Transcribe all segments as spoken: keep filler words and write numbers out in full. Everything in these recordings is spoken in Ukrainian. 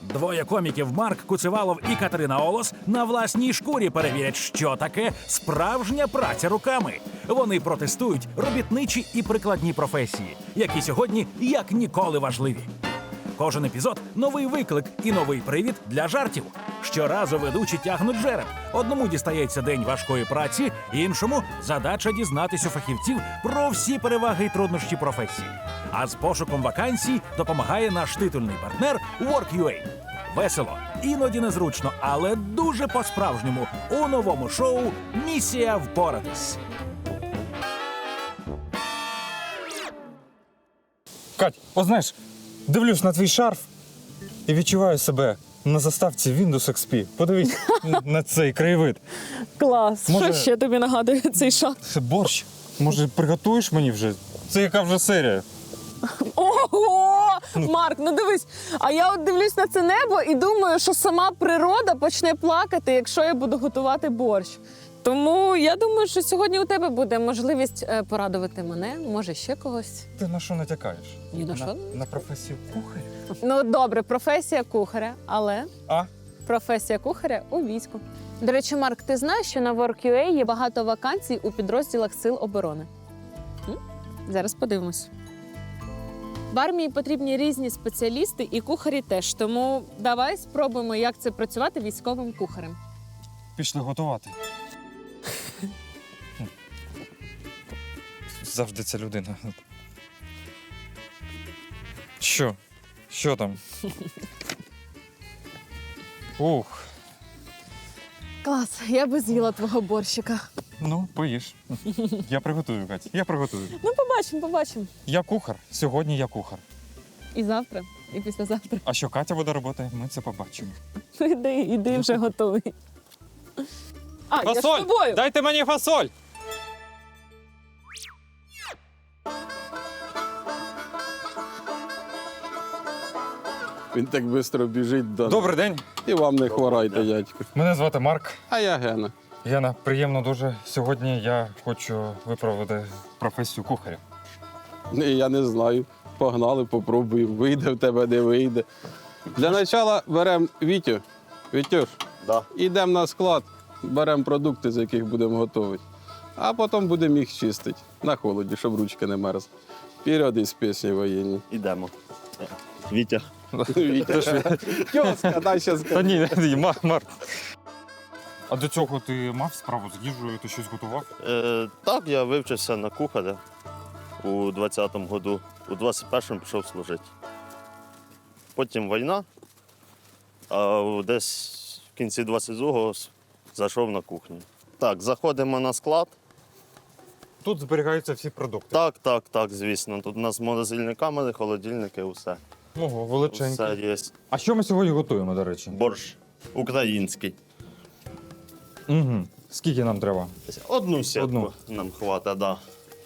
Двоє коміків Марк Куцевалов і Катерина Олос на власній шкурі перевірять, що таке справжня праця руками. Вони протестують робітничі і прикладні професії, які сьогодні як ніколи важливі. Кожен епізод – новий виклик і новий привід для жартів. Щоразу ведучі тягнуть жереб. Одному дістається день важкої праці, іншому – задача дізнатись у фахівців про всі переваги і труднощі професії. А з пошуком вакансій допомагає наш титульний партнер Work.ua. Весело, іноді незручно, але дуже по-справжньому у новому шоу «Місія впоратись». Кать, от знаєш, дивлюсь на твій шарф і відчуваю себе на заставці Windows ікс пі. Подивись на цей краєвид. Клас. Може- Що ще тобі нагадує цей шат? Це борщ. Може, приготуєш мені вже? Це яка вже серія? Ого! Марк, ну дивись, а я от дивлюсь на це небо і думаю, що сама природа почне плакати, якщо я буду готувати борщ. Тому я думаю, що сьогодні у тебе буде можливість е, порадувати мене, може ще когось. Ти на що натякаєш? Ні на На, що. на професію кухаря? Ну добре, професія кухаря, але А? професія кухаря у війську. До речі, Марк, ти знаєш, що на Work.ua є багато вакансій у підрозділах Сил оборони? М? Зараз подивимось. В армії потрібні різні спеціалісти і кухарі теж, тому давай спробуємо, як це працювати військовим кухарем. Пішли готувати. Завжди ця людина. Що? Що там? Ух, Клас, я би з'їла твого борщика. ну, поїж. Я приготую, Кать, я приготую. Ну, побачимо, побачимо. Я кухар, сьогодні я кухар. І завтра, і післязавтра. А що Катя буде робити, ми це побачимо. Ну, іди, іди вже готовий. А, я ж з Фасоль! тобою. Дайте мені фасоль! Він так швидко біжить до. Добрий день. І вам не хворайте, дядько. Мене звати Марк. А я Гена. Яна, приємно дуже. Сьогодні я хочу виправити професію кухаря. І я не знаю. Погнали, попробуємо. Вийде в тебе, не вийде. Для початку беремо Вітю. Вітюш, Да. йдемо на склад, беремо продукти, з яких будемо готувати. А потім будемо їх чистити на холоді, щоб ручки не мерзли. Вперед із пісні воєнні. Ідемо. Вітя. Вітя. Тьоска, дай ще Та скажу. ні, ні, Мар- Марк. А до цього ти мав справу з їжею, ти щось готував? Е, так, я вивчився на кухаря у двадцятому году. У двадцять першому пішов служити. Потім війна, а у- десь в кінці двадцять другого с- зайшов на кухню. Так, заходимо на склад. Тут зберігаються всі продукти. Так, так, так, звісно. Тут у нас морозильні камери, холодильники, усе. Ого, Все величенькі. є. А що ми сьогодні готуємо, до речі? Борщ український. Угу. Скільки нам треба? Одну сітку Одну. нам хватить, да.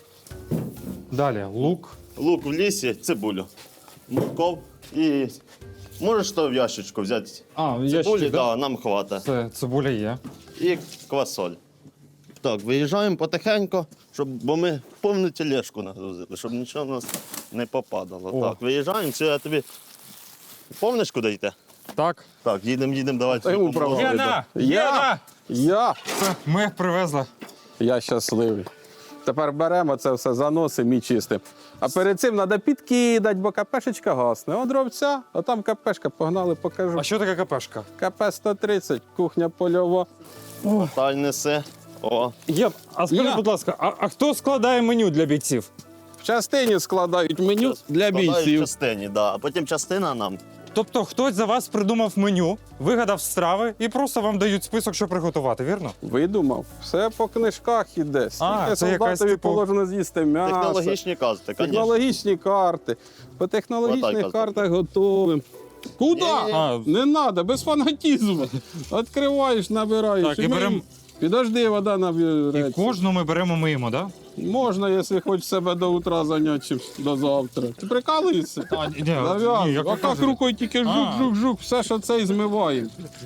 Далі лук. Лук в лісі, цибулю, морков і можеш то в ящичку взяти. А, Цибулі, ящик, да, нам хватить. Це цибуля є. І квасоль. Так, виїжджаємо потихеньку, щоб, бо ми повну тележку нагрузили, щоб нічого в нас не попадало. О. Так, виїжджаємо, це я тобі. Помниш, куди йти? Так. Так, їдемо, їдемо, давайте. Та йому право. Яна! Я! Яна! Я! Це ми їх привезли. Я щасливий. Тепер беремо це все, заносимо і чистимо. А перед цим треба підкидати, бо КПшечка гасне. От дровця, а там КПшка, погнали, покажу. А що таке капешка? КП сто тридцять, кухня польова. Та й неси. О, Є. А скажи, Я. будь ласка, а, а хто складає меню для бійців? В частині складають меню для складають в бійців. частині, да. А потім частина нам. Тобто хтось за вас придумав меню, вигадав страви і просто вам дають список, що приготувати, вірно? Видумав. Все по книжках іде. Скільки це якась, солдатові типу, положено з'їсти м'ясо. Технологічні казки, звісно. Технологічні карти. По Отак, технологічних отак. картах готовим. Куди? Ні-ні-ні. А, Не треба, без фанатізму. Відкриваєш, набираєш. Так, і ми- берем- Підожди, вода і набереться. кожну ми беремо миємо, так? Можна, якщо хочеш себе до утра зайняти, чим до завтра. Ти прикалуєшся? Да? А, ні, ні, Зав'язуй. як ви А так кажете. рукою тільки А. жук-жук-жук, все, що це і змиває.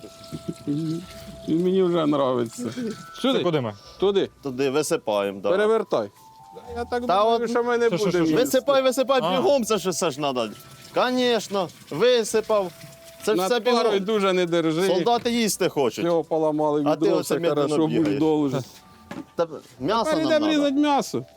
І мені вже подобається. Це Сюди, куди ми? туди, Туди висипаємо. Да. перевертай. Я так Та думаю, от- що ми не Що, що, будемо що? їсти. Висипай, висипай, А. бігом це ж все ж треба. Звісно, висипав. Це ж Над все парою бігом. дуже не держи. Солдати їсти хочуть. Його поламали А ти відро, оце все медленно хорошо, бігаєш. будь должен. Та м'ясо Тепер нам йдемо надо. різати м'ясо.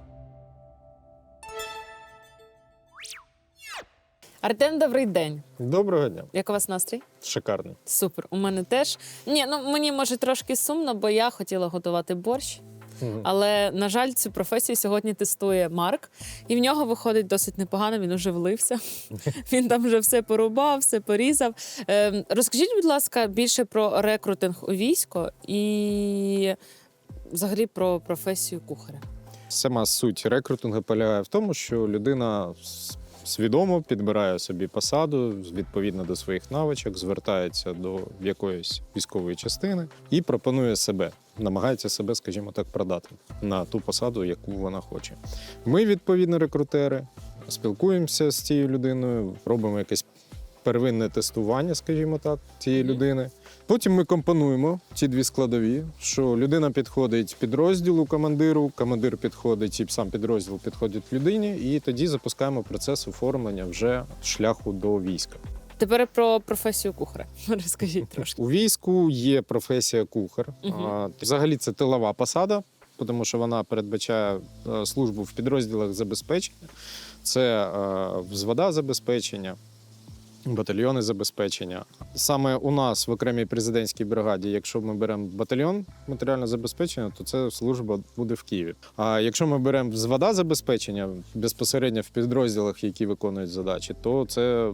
Артем, добрий день. Доброго дня. Як у вас настрій? Шикарний. Супер. У мене теж. Ні, ну мені може трошки сумно, бо я хотіла готувати борщ. Мгм. Але, на жаль, цю професію сьогодні тестує Марк, і в нього виходить досить непогано, він уже влився. Він там вже все порубав, все порізав. Ем, розкажіть, будь ласка, більше про рекрутинг у військо і взагалі про професію кухаря. Сама суть рекрутингу полягає в тому, що людина с- свідомо підбирає собі посаду відповідно до своїх навичок, звертається до якоїсь військової частини і пропонує себе, намагається себе, скажімо так, продати на ту посаду, яку вона хоче. Ми, відповідно, рекрутери, спілкуємося з цією людиною, робимо якесь первинне тестування, скажімо так, цієї Мгм. людини. Потім ми компонуємо ці дві складові, що людина підходить підрозділу командиру, командир підходить і сам підрозділ підходить людині, і тоді запускаємо процес оформлення вже шляху до війська. Тепер про професію кухаря. Розкажіть трошки. У війську є професія кухар. Мгм. А, Взагалі це тилова посада, тому що вона передбачає е, службу в підрозділах забезпечення. Це е, взвода забезпечення, батальйони забезпечення. Саме у нас в окремій президентській бригаді, якщо ми беремо батальйон матеріального забезпечення, то це служба буде в Києві. А якщо ми беремо взвода забезпечення безпосередньо в підрозділах, які виконують задачі, то це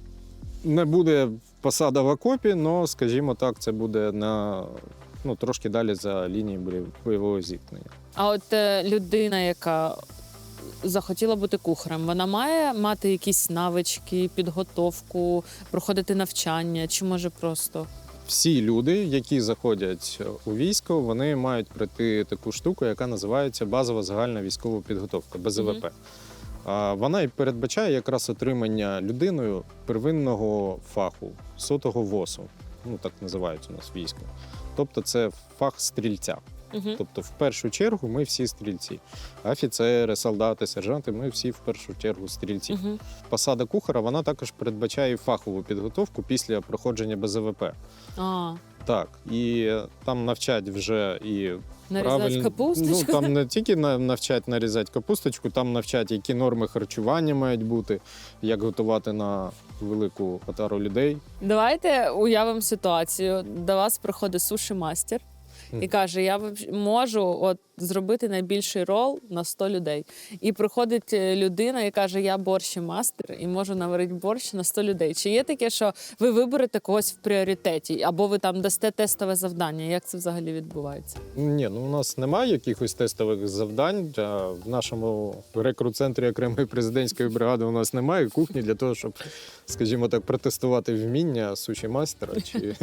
не буде посада в окопі, але, скажімо так, це буде на ну, трошки далі за лінією бойового зіткнення. А от е, людина, яка захотіла бути кухарем, вона має мати якісь навички, підготовку, проходити навчання, чи може просто. Всі люди, які заходять у військо, вони мають пройти таку штуку, яка називається базова загальна військова підготовка, Б З В П. А Вона і передбачає якраз отримання людиною первинного фаху, сотого ВОСу. Ну так називають у нас військо. Тобто це фах стрільця. Угу. Тобто, в першу чергу, ми всі стрільці. Офіцери, солдати, сержанти, ми всі в першу чергу стрільці. Угу. Посада кухара, вона також передбачає і фахову підготовку після проходження Б З В П. А, Так, і там навчать вже і нарізати правильно- капусточку. Ну, там не тільки на- навчать нарізати капусточку, там навчать, які норми харчування мають бути, як готувати на велику отару людей. Давайте уявимо ситуацію. До вас приходить суші-мастер і Мгм. каже: я воб- можу от зробити найбільший рол на сто людей. І приходить е, людина і каже: я борщ-мастер і можу наварити борщ на сто людей. Чи є таке, що ви виберете когось в пріоритеті, або ви там дасте тестове завдання? Як це взагалі відбувається? Ні, ну у нас немає якихось тестових завдань. А в нашому рекрут-центрі окремої президентської бригади у нас немає кухні для того, щоб, скажімо так, протестувати вміння суші-мастера чи,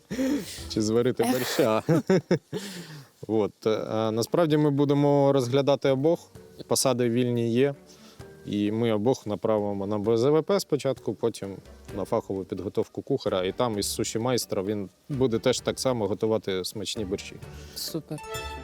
чи зварити борща. От. А насправді ми будемо розглядати обох. Посади вільні є. І ми обох направимо на Б З В П спочатку, потім на фахову підготовку кухаря. І там із суші-майстра він буде теж так само готувати смачні борщі. Супер.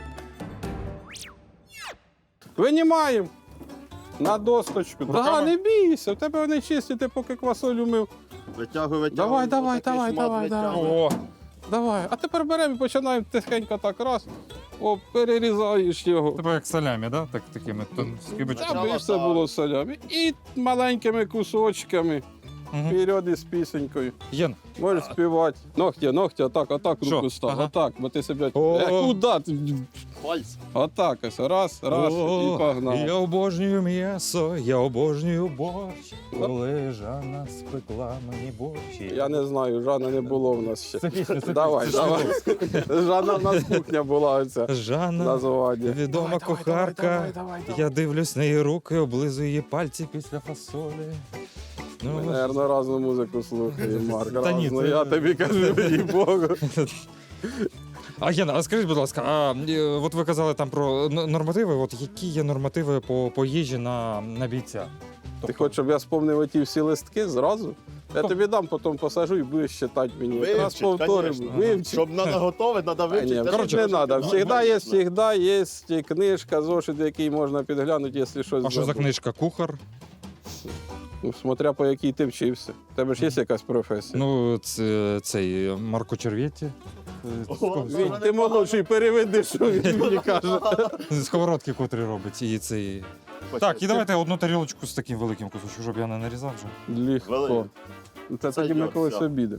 Винімаємо на досточку. Да, Руками? не бійся, в тебе вони чисті, ти поки квасолю мив. Витягуй, витягуй. Давай, давай, отакий давай, шмат давай, давай. витягуй. О, Давай. А тепер беремо і починаємо тихенько так раз. О, перерізаєш його. тебе як салямі, да? Так, такими скибочками. Аби все було солями. І маленькими кусочками. Вперед із пісенькою. Єн. Можеш співати. Ногті, ногті, отак, отак Що? руку став. Ага. Отак, бо ти себе. О. Е, куди? ти? Пальці. Отак ось. Раз, раз, і погнав. Я обожнюю м'ясо, я обожнюю борщ, коли Жанна спекла мені борщ. Я не знаю, Жанна не було в нас ще. Це пісня, це Давай, пісня. давай. Жанна в нас кухня була оця. Жанна, Названня. відома кухарка. Я дивлюсь на її руки, облизую її пальці після фасолі. Ми, Ну, наверно, разну музику слухаємо, Марк. Та ні, разну. це- Я тобі кажу, їй Богу. А Яна, а скажіть, будь ласка, а е, от ви казали там про н- нормативи. От які є нормативи по, по їжі на, на бійця? Ти хочеш, щоб я спомнив оті всі листки зразу? Я тобі дам, потім посажу і будеш читати мені. Раз Вивчить, повторимо. конечно. Вивчить. Щоб треба готовити, треба А, вивчити. ні, те, коротше, що не ти треба. знаєш. Всегда є, Звісно. всегда є книжка, зошит, який можна підглянути, якщо щось А що за забув. книжка? Кухар? Ну, смотря по якій ти вчився. У тебе ж є якась професія? Ну, це, цей Марко Червєтті. Він, ти молодший, переведи, що він мені каже. Сковородки, котрі робить. І цей... Так, і давайте одну тарілочку з таким великим кусочком, щоб я не нарізав вже. Легко. Великий. Це Це тоді ми йор, колись все. обідемо.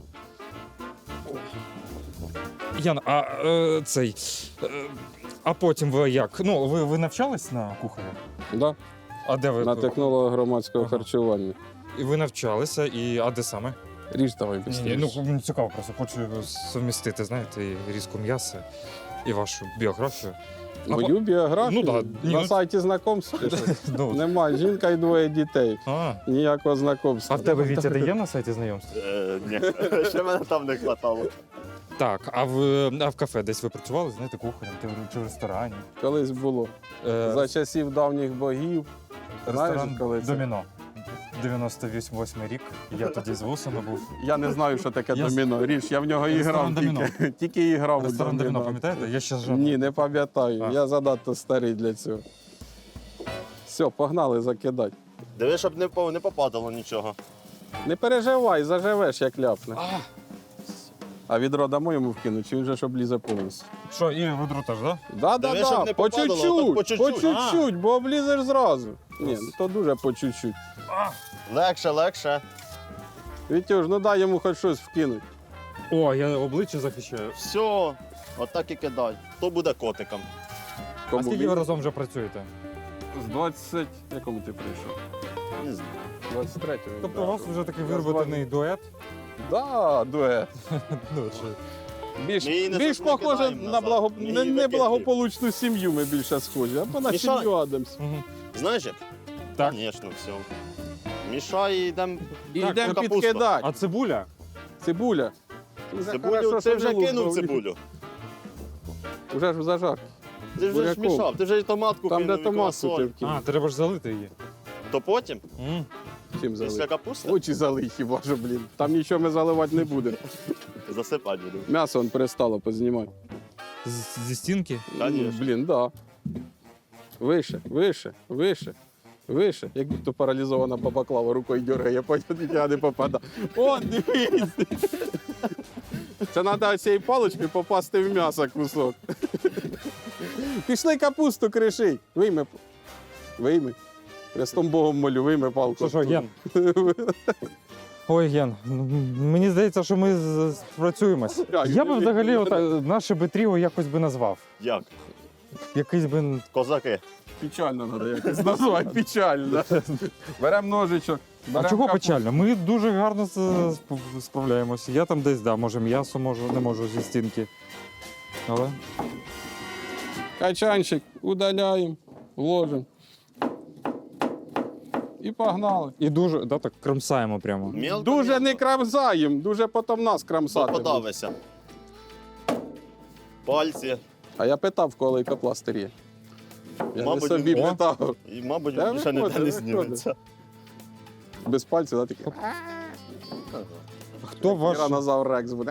Яна, а е, цей. Е, а потім ви як? Ну, ви, ви навчались на кухаря? Да? А де ви? На технолога громадського Ага. харчування. І ви навчалися, і а де саме? Ріж давай Ні, быстріше. ну мені цікаво, просто хочу совмістити, знаєте, і різку м'яса, і вашу біографію. Мою біографію Ну да, ні, на ну- сайті знайомств Ну, немає. Жінка і двоє дітей. а, Ніякого знайомства. а в тебе Вітя де є на сайті знайомств? Е, ні, ще мене там не хватало. Так, а в, а в кафе десь ви працювали, знаєте, кухарем чи в- чи в ресторані? Колись було. Е, За часів давніх богів. Знаєш, ресторан коли це? Доміно. дев'яносто восьмий рік. Я тоді з вусами був. Я не знаю, що таке Я з- доміно. Ріж, я в нього і Ресторан грав «Доміно». тільки. Тільки і грав у Ресторан Доміно, доміно. пам'ятаєте? Я ще жив. Ні, не пам'ятаю. А. Я занадто старий для цього. Все, погнали закидати. Диви, щоб не, по- не попадало нічого. Не переживай, заживеш, як ляпне. А, А відро дамо йому вкинуть, чи він же ж облізе повністю? що, і ведро теж, так? Да, да, Диви, щоб да, не по попадало, чуть-чуть, так по по чуть-чуть. чуть-чуть, бо облізеш зразу. Ні, ну то дуже по чуть-чуть. Легше, легше. Вітюш, ну дай йому хоч щось вкинуть. О, я обличчя захищаю. Все, отак і кидай. То буде котиком. А Кому скільки він? ви разом вже працюєте? З двадцять... Якому ти прийшов? Не знаю. двадцять третього. Тобто у вас вже такий вироботений дует? Да, дует. Ну, чи... Більш, Ми її не більш за- не похоже кидаємо на назад. благо... Ми її не, викидуємо. неблагополучну сім'ю ми більше схожі, або на Мішай. сім'ю Адамс. Мгм. Знаєш як? Так. Звісно, все. Мішай і йдемо. І Так, йдемо капуста. підкидати. А цибуля? Цибуля. Вже Цибулю, хорошо, ти що вже не кинув лук, бо цибулю. Уже ж в зажар. Ти вже ж Буряком. мішав, ти вже і томатку Там, кинув, де і томатку ти квасоль. вкинув. А, треба ж залити її. То потім, М. Чим після залити? капусти, Очі залий хіба що, блін. Там нічого ми заливати не будемо. засипати буду. М'ясо он перестало познімати. З- Зі стінки? Конечно. Блін, да. Вище, вище, вище, вище. Як будто паралізована бабаклава рукою дергає, потім я не попадав. О, дивись! Це треба цією паличкою попасти в м'ясо кусок. Пішли капусту кришить. Вийми. Вийми. Хрестом Богом молю, вийми палку. Що, що, Ген? Ой, Ген, ну, мені здається, що ми з- спрацюємось. Так, Я би ну, взагалі ну, ота- наше би тріо якось би назвав. Як? Якийсь би. Козаки. Печально треба якось назвати, печально. Беремо ножичок. А берем чого капусту. печально? Ми дуже гарно з- сп- справляємося. Я там десь, да, може м'ясо можу, не можу зі стінки. Але Качанчик удаляємо, ложимо. І погнали. і дуже, да, так кромсаємо прямо. Мілко, Дуже мілко. не крамсаємо, дуже потім нас Бо крамсати. буде. подавися. Пальці. А я питав, в кого лейкопластир є. Я Мабуть, не собі о. питав. І, мабуть, Та більше ніде виходить, не виходить. зніметься. Без пальців, да, такі. Хто ваш. Тиранозавр Рекс буде.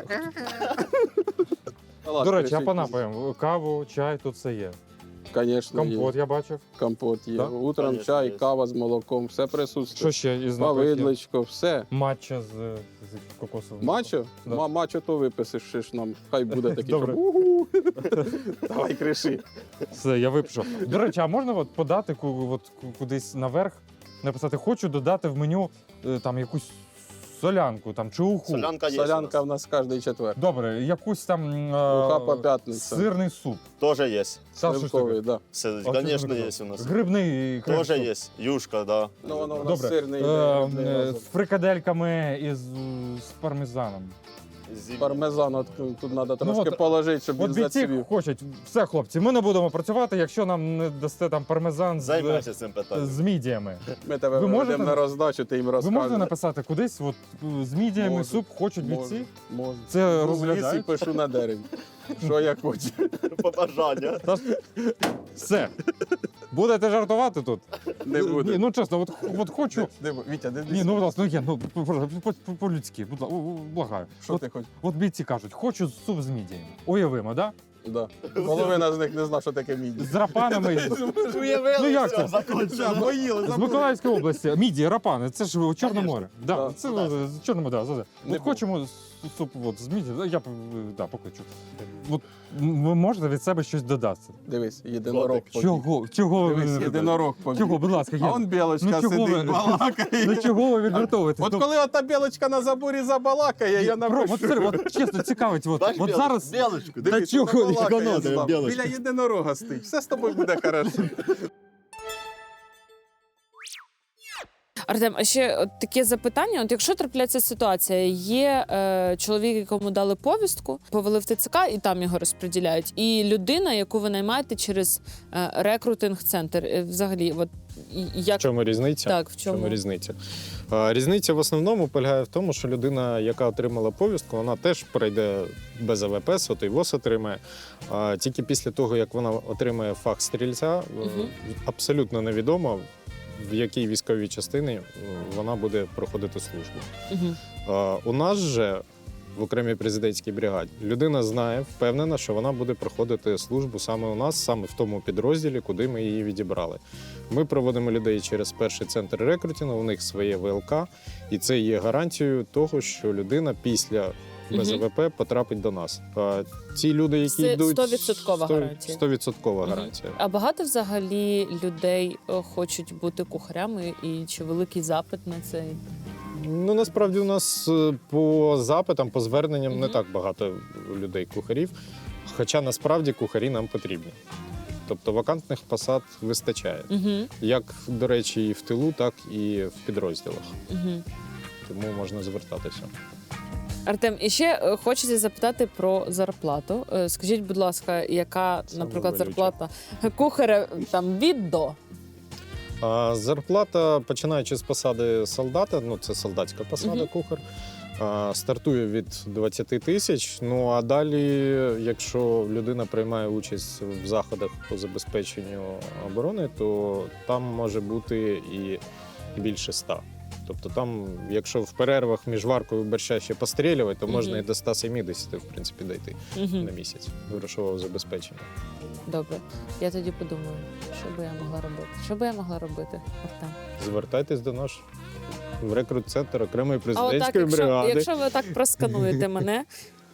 До речі, а по напоям? Каву, чай, тут все є. Звісно, Компот є. я бачив. Компот є. Да? Утром Конечно, чай, є. кава з молоком, все Що присутствує. ще із напоїв? є? Повидличко, все. Матча з, з кокосовим. Мачо? Да. Ма- Мачо то виписиш ж нам. Хай буде такий. Добре. щоб «Угу». Давай криши. Все, я випишу. До речі, а можна от подати ку- от ку- кудись наверх, написати, хочу додати в меню е, там якусь солянку там, чи уху. Солянка є. Солянка в нас кожний четвер. Добре, якусь там е, Уха по п'ятницям. сирний суп. Теж є. Та, що ж Сливковий, таке? да. Все, А звісно, що є таке? у нас. Грибний крем Теж суп. є. Юшка, да. Ну, воно в нас Добре. сирний. Е, грибний е, разом. з фрикадельками і з, з пармезаном. Зі- Пармезан от, тут треба трошки от- положити, щоб От він бійці зацвів. хочуть. Все, хлопці, ми не будемо працювати, якщо нам не дасте там пармезан з, Займайся цим питанням. з мідіями. Ми тебе Ви можете- виведемо на роздачу, ти їм Ви розкажеш. можете написати кудись, от з мідіями Можу. суп хочуть Можу, бійці? можу. Це Ну, в лісі розглядають? пишу на дереві. Що я хочу. Побажання. Та ж- Все. Будете жартувати тут? Не Ні, буде. ну чесно, от, от хочу. Не бу- Вітя, не Ні, ну будь ласка, ну є, ну по- по- по- по-людськи, будь ласка, благаю. Що От, ти хочеш? от бійці кажуть, хочу суп з мідіями. Уявимо, да? Да. Половина з них не знає, що таке міді. З рапанами. Ну як це? З Миколаївської області. Мідії, рапани, це ж Чорне море. Да, Да. це е, Чорне море, да, да. Не От хочемо суп от, з міді, я е, да, покличу. От, м- ви можете від себе щось додати? Дивись, єдинорог. побіг. Чого? Чого? ви Дивись, не єдинорог побіг. Чого, будь ласка, А я. он білочка Ну, чого сидить, ви- балакає. Ну чого ви відвертовуєтесь? От Ну, коли ота білочка на заборі забалакає, я Ром, от, напишу. серйозно, от чесно, цікавить, от, Бач, от білочку, зараз. білочку. Та Дивись, чого, вона балакає яка з вами. білочка? Біля єдинорога стоїть. Все з тобою буде хорошо. Артем, а ще от таке запитання: от якщо трапляється ситуація, є е, чоловік, якому дали повістку, повели в ТЦК і там його розподіляють, і людина, яку ви наймаєте через е, рекрутинг-центр, е, взагалі, от і- і як В чому різниця? так, в В чому? чому різниця? А, Різниця в основному полягає в тому, що людина, яка отримала повістку, вона теж пройде без АВП, сотий ВОЗ отримає. А тільки після того, як вона отримає фах стрільця, Мгм. абсолютно невідомо, в якій військовій частині е, вона буде проходити службу. Угу. А, У нас же в окремій президентській бригаді людина знає, впевнена, що вона буде проходити службу саме у нас, саме в тому підрозділі, куди ми її відібрали. Ми проводимо людей через перший центр рекрутингу, у них своє ВЛК, і це є гарантією того, що людина після без Мгм. АВП потрапить до нас. А ті люди, які Це йдуть... стовідсоткова сто- гарантія. стовідсоткова Мгм. гарантія. А багато взагалі людей е, хочуть бути кухарями, і чи великий запит на це? Ну, насправді у нас е, по запитам, по зверненням не Мгм. так багато людей-кухарів, хоча насправді кухарі нам потрібні. Тобто вакантних посад вистачає. Угу. Як, до речі, і в тилу, так і в підрозділах. Угу. Тому можна звертатися. Артем, і ще е, хочеться запитати про зарплату. Е, Скажіть, будь ласка, яка, Саме наприклад, болюче. зарплата кухаря там від до? А зарплата, починаючи з посади солдата, ну це солдатська посада, Мгм. кухар, а, стартує від двадцять тисяч. Ну а далі, якщо людина приймає участь в заходах по забезпеченню оборони, то там може бути і більше ста. Тобто там, якщо в перервах між варкою борща ще пострілювати, то можна Мгм. і до ста сімдесят, в принципі, дійти Угу. на місяць грошового забезпечення. Добре, я тоді подумаю, що би я могла робити. Що би я могла робити, Артем? Звертайтесь до нас в рекрут-центр окремої А отак, президентської якщо, бригади. якщо ви так проскануєте мене.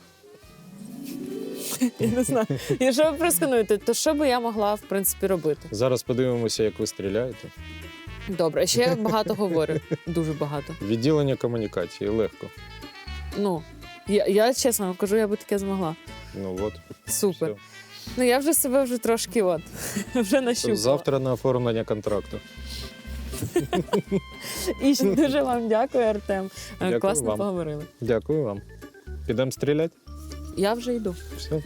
Я не знаю. Якщо ви проскануєте, то що би я могла, в принципі, робити? Зараз подивимося, як ви стріляєте. Добре, ще я багато говорю. Дуже багато. Відділення комунікації легко. Ну, я, я чесно вам кажу, я би таке змогла. Ну от. Супер. все. Ну я вже себе вже трошки от, вже нащупала. Завтра на оформлення контракту. І ще дуже вам дякую, Артем. Е, Дякую Класно вам. поговорили. Дякую вам. Підемо стріляти? Я вже йду. Все.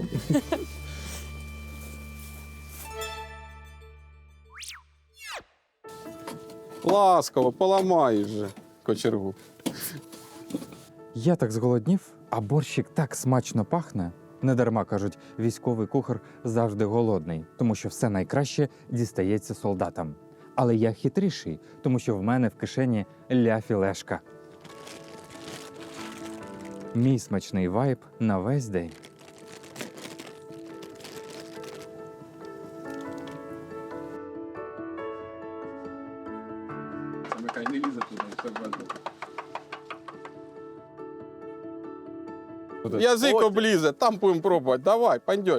Ласково, поламай вже кочергу. Я так зголоднів, а борщик так смачно пахне. Недарма кажуть, військовий кухар завжди голодний, тому що все найкраще дістається солдатам. Але я хитріший, тому що в мене в кишені ля-філешка. Мій смачний вайб на весь день. Нехай не лізе туди, все Буде. Язик облізе, там будемо пробувати. Давай, пандьор.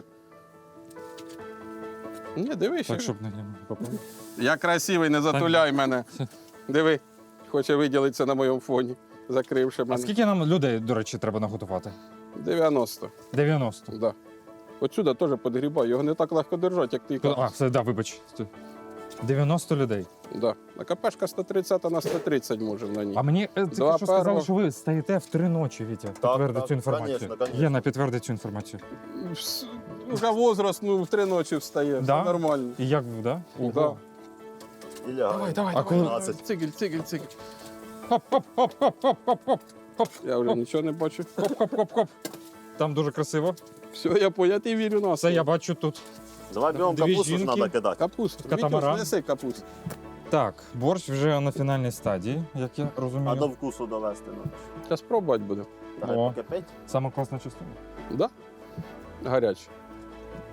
Ні, дивись. Так, щоб не попав. Я красивий, не затуляй мене. Диви, хоче виділитися на моєму фоні, закривши А мене. скільки нам людей, до речі, треба наготувати? дев'яносто. дев'яносто. Да. Отсюди теж підгрібай, його не так легко держати, як ти А, кажеш. все, да, вибач. дев'яносто людей. Да. А КПшка сто тридцять на сто тридцять може на ній. А мені е, тільки Два що сказали, перво. що ви стоїте в три ночі, Вітя. Підтверди так, цю інформацію. конечно, конечно. Єна, підтверди цю інформацію. Вс- Вже возраст, ну, в три ночі встає, Да? все нормально. І як ви, да? Да. Ого. Ілля, Давай, давай, А давай. коли- давай. Цигель, цигель, цигель. Хоп, хоп, хоп, хоп, хоп, хоп, хоп, хоп, Я вже Оп. нічого не бачу. хоп, хоп, хоп, хоп. Там дуже красиво. Все, я по, я ти вірю на Все я бачу тут. давай бігом Дві капусту ж жінки. треба кидати. Капусту. Катамаран. Вітюш, неси капусту. Так, борщ вже на фінальній стадії, як я А розумію. до вкусу довести. Ну. Зараз пробувати будемо. Давай О. покипить. Сама класна частина. Да? Гаряче.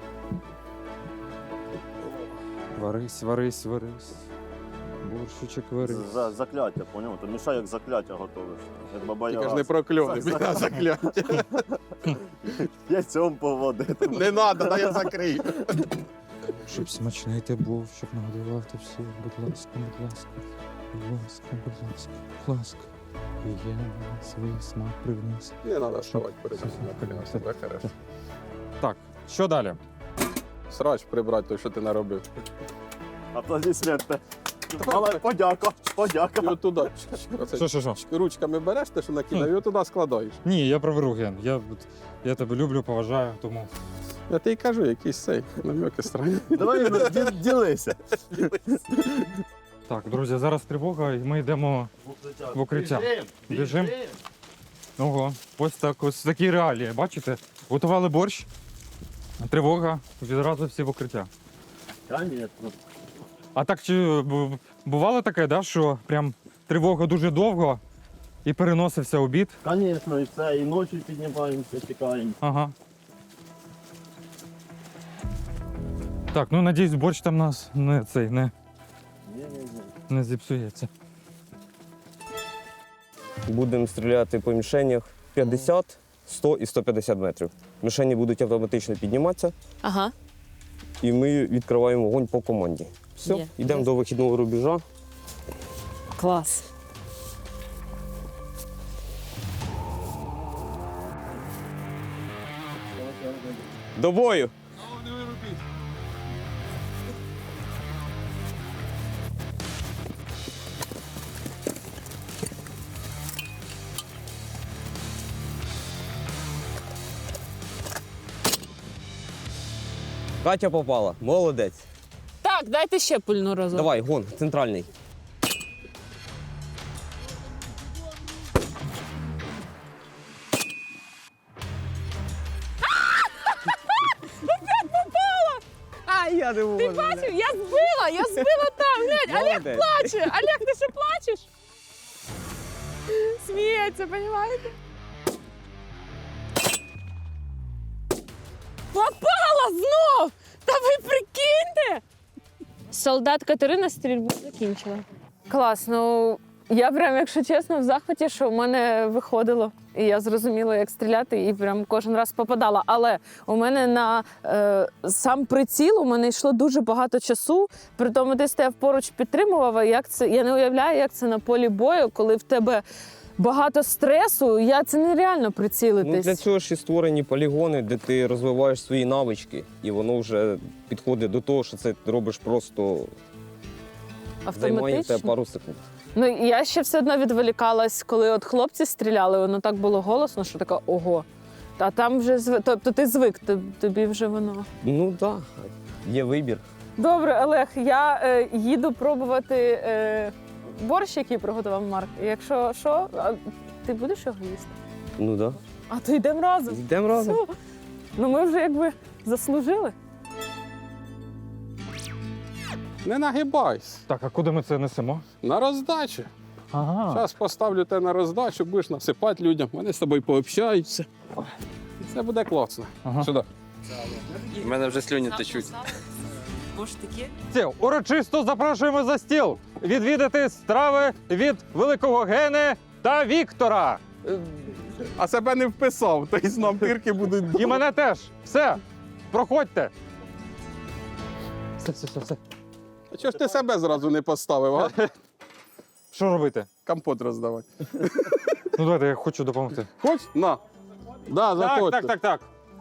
Варись, варись, варись. Борщичок варись. За закляття, поняв? То мішай як закляття готовиш. Як баба Тільки ж Яга. не прокльони, За- біда закляття. Яйцем поводити. Не треба, дай я закрию. Щоб смачний ти був, щоб нагодував ти всіх. Будь ласка, будь ласка, будь ласка, будь ласка, будь ласка. І я свій смак привніс. Не треба вставати перед цим на коліна, себе хорошо. Так, що далі? Срач прибрати той, що ти наробив. Аплодисменти. Але подяка, подяка. І отуди. Оце Що, що, що? ручками береш те, що накидав, і отуди складаєш. Ні, я приберу, Ген. Я, я тебе люблю, поважаю, тому. Я тобі кажу, якийсь цей намеки странні. Давай ді- ділися. Так, друзі, зараз тривога, і ми йдемо в укриття. Біжим. Ого, ось так, ось такі реалії. Бачите? Готували борщ, тривога, відразу всі в укриття. Конечно. А так чи бу- бувало таке, да, що прям тривога дуже довго і переносився обід? Конечно, і все, і ночі піднімаємося, тікаємо. Ага. Так, ну надіюсь, борщ там нас не цей не, Ні-ні-ні. не зіпсується. Будемо стріляти по мішенях п'ятдесят, сто і сто п'ятдесят метрів. Мішені будуть автоматично підніматися, Ага. і ми відкриваємо вогонь по команді. Все, Є. йдемо до вихідного рубежа. Клас. До бою! Катя попала, молодець. Так, дайте ще пульну разом. Давай, гон, центральний. А, я не можу. Ти бачив, я збила, я збила там. Глянь, Олег Молодець. плаче. Олег, ти що плачеш? Сміється, розумієте? Попала знов! Та ви прикиньте! Солдат Катерина стрільбу закінчила. Клас, ну я прям, якщо чесно, в захваті, що в мене виходило. І я зрозуміла, як стріляти, і прям кожен раз попадала. Але у мене на е, сам приціл у мене йшло дуже багато часу. При тому ти стояв поруч, підтримував. А як це? Я не уявляю, як це на полі бою, коли в тебе багато стресу. Я це нереально Ну, прицілитись. для цього ж і створені полігони, де ти розвиваєш свої навички, і воно вже підходить до того, що це ти робиш просто займає в Автоматично. тебе пару секунд. Ну я ще все одно відволікалась, коли от хлопці стріляли, воно так було голосно, що така ого. А там вже зв... тобто ти звик, тоб- тобі вже воно. Ну так, є вибір. Добре, Олег, я е, їду пробувати е, борщ, який приготував Марк. Якщо що, а ти будеш його їсти? Ну так. А то йдемо разом. Йдемо разом. Все. Ну ми вже якби заслужили. Не нагибайся. Так, а куди ми це несемо? На роздачу. Ага. Зараз поставлю тебе на роздачу, будеш насипати людям. Вони з тобою пообщаються. І все буде класно. Ага. Сюди. У мене вже слюні течуть. Може таке? Це, урочисто запрошуємо за стіл відвідати страви від великого Гени та Віктора. А себе не вписав, то й нам дирки будуть. І мене теж. Все, проходьте. Все, все, все, все. А чого ж ти себе зразу не поставив, а? Що робити? Компот роздавати. Ну давайте, я хочу допомогти. Хоч? На. Да, Так, заходьте. так, так, так.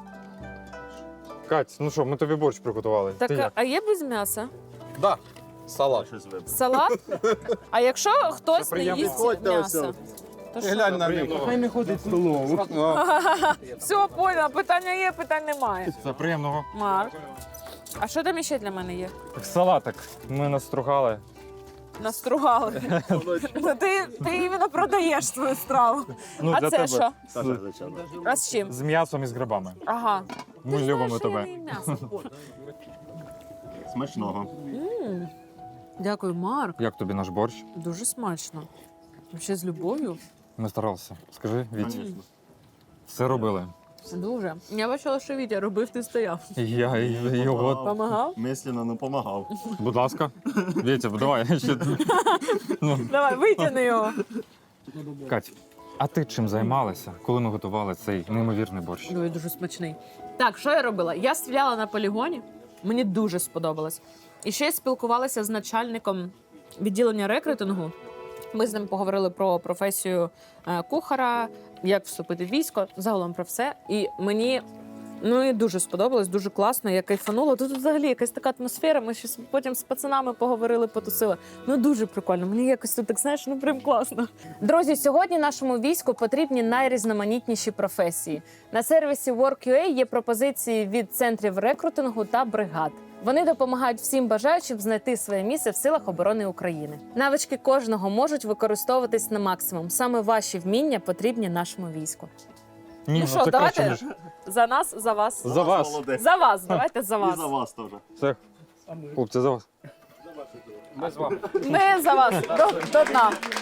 Кать, ну що, ми тобі борщ приготували. Так, Ти як? а є без м'яса? Да. Салат. Щось вибрав. Салат? А якщо хтось не приємно. їсть Підходьте м'ясо? ось. То Ти що? глянь на нього. Хай не ходить в столову. Все, поняла, питання є, питань немає. Це приємного. Марк. А що там ще для мене є? Салатик ми настругали. Настругали. Ну, ти, ти іменно продаєш свою страву. Ну, А для це тебе. що? Саша, звичайно. А з чим? З м'ясом і з грибами. Ага. Ми Ти любимо знаєш, що я тебе. не їм м'ясо. Смачного. М. Дякую, Марк. Як тобі наш борщ? Дуже смачно. Взагалі з любов'ю. Не старався. Скажи, Віть. Звісно. Все робили. Дуже. Я бачила, що Вітя робив, ти стояв. Я його. Помагав? Мислено не допомагав. Будь ласка. Вітя, давай. Ще... ну, Давай, витягни його. Кать, а ти чим займалася, коли ми готували цей неймовірний борщ? Ой, дуже смачний. Так, що я робила? Я стріляла на полігоні, мені дуже сподобалось. І ще я спілкувалася з начальником відділення рекрутингу. Ми з ним поговорили про професію е, кухара, як вступити в військо, загалом про все. І мені ну, і дуже сподобалось, дуже класно, я кайфанула. Тут взагалі якась така атмосфера, ми ще потім з пацанами поговорили, потусили. Ну, дуже прикольно, мені якось тут, так знаєш, ну прям класно. Друзі, сьогодні нашому війську потрібні найрізноманітніші професії. На сервісі WorkUA є пропозиції від центрів рекрутингу та бригад. Вони допомагають всім бажаючим знайти своє місце в силах оборони України. Навички кожного можуть використовуватись на максимум. Саме ваші вміння потрібні нашому війську. Ні, Ну що, це давайте краще, ніж... за нас, за вас. За вас. Молодець. За вас, давайте за вас. І за вас теж. Все. Хлопці, за вас. Ми за вас. До, до дна.